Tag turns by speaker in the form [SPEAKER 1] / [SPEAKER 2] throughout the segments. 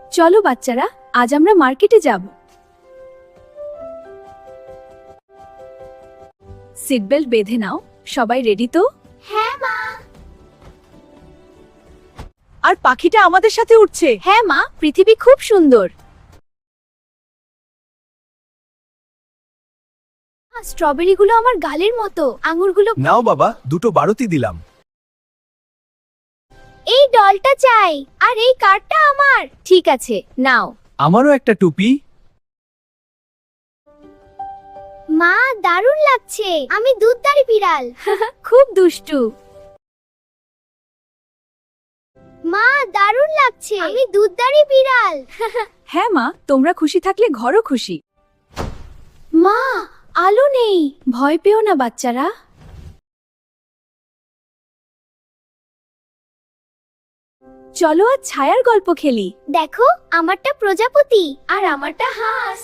[SPEAKER 1] চলো বাচ্চারা, আজ আমরা মার্কেটে যাব। সিট বেল্ট বেঁধে নাও। সবাই রেডি তো?
[SPEAKER 2] হ্যাঁ মা।
[SPEAKER 1] আর পাখিটা আমাদের সাথে উঠছে। হ্যাঁ মা, পৃথিবী খুব সুন্দর। স্ট্রবেরিগুলো আমার গালের মতো, আঙুরগুলো।
[SPEAKER 3] নাও বাবা, দুটো বারতি দিলাম।
[SPEAKER 2] এই ডলটা চাই, আর এই কার্ডটা আমার।
[SPEAKER 1] ঠিক আছে, নাও।
[SPEAKER 3] আমারও একটা টুপি।
[SPEAKER 2] মা, দারুণ লাগছে। আমি দুধদারি বিড়াল।
[SPEAKER 1] খুব দুষ্টু।
[SPEAKER 2] মা, দারুণ লাগছে। আমি দুধদারি বিড়াল।
[SPEAKER 1] হ্যাঁ মা, তোমরা খুশি থাকলে ঘরও খুশি।
[SPEAKER 2] মা,
[SPEAKER 1] আলো নেই। ভয় পেও না বাচ্চারা। চলো আজ ছায়ার গল্প খেলি।
[SPEAKER 2] দেখো, আমারটা প্রজাপতি আর আমারটা হাঁস।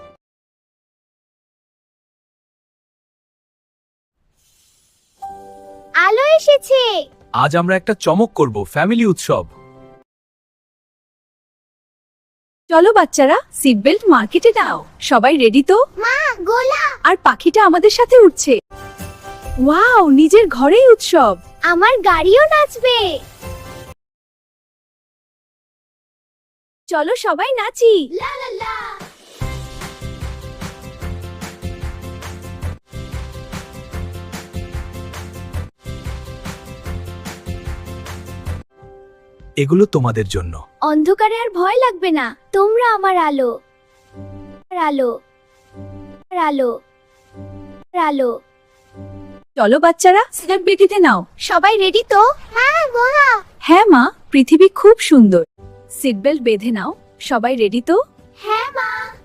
[SPEAKER 2] আলো এসেছে।
[SPEAKER 3] আজ আমরা একটা চমক করব, ফ্যামিলি উৎসব।
[SPEAKER 1] চলো বাচ্চারা, সিট বেল্ট মার্কেটে নাও। সবাই রেডি তো?
[SPEAKER 2] মা, গোলা।
[SPEAKER 1] আর পাখিটা আমাদের সাথে উঠছে। ওয়াও, নিজের ঘরেই উৎসব।
[SPEAKER 2] আমার গাড়িও নাচবে।
[SPEAKER 1] চলো সবাই নাচি।
[SPEAKER 2] লা লা লা।
[SPEAKER 3] এগুলো তোমাদের জন্য।
[SPEAKER 2] অন্ধকারে আর ভয় লাগবে না, তোমরা আমার আলো। আলো, আলো, আলো।
[SPEAKER 1] চলো বাচ্চারা, সিট বেল্টে নাও।
[SPEAKER 2] সবাই রেডি তো? হ্যাঁ গোলা।
[SPEAKER 1] হ্যাঁ মা, পৃথিবী খুব সুন্দর। সিট বেল্ট বেঁধে নাও। সবাই রেডি তো?
[SPEAKER 2] হ্যাঁ মা।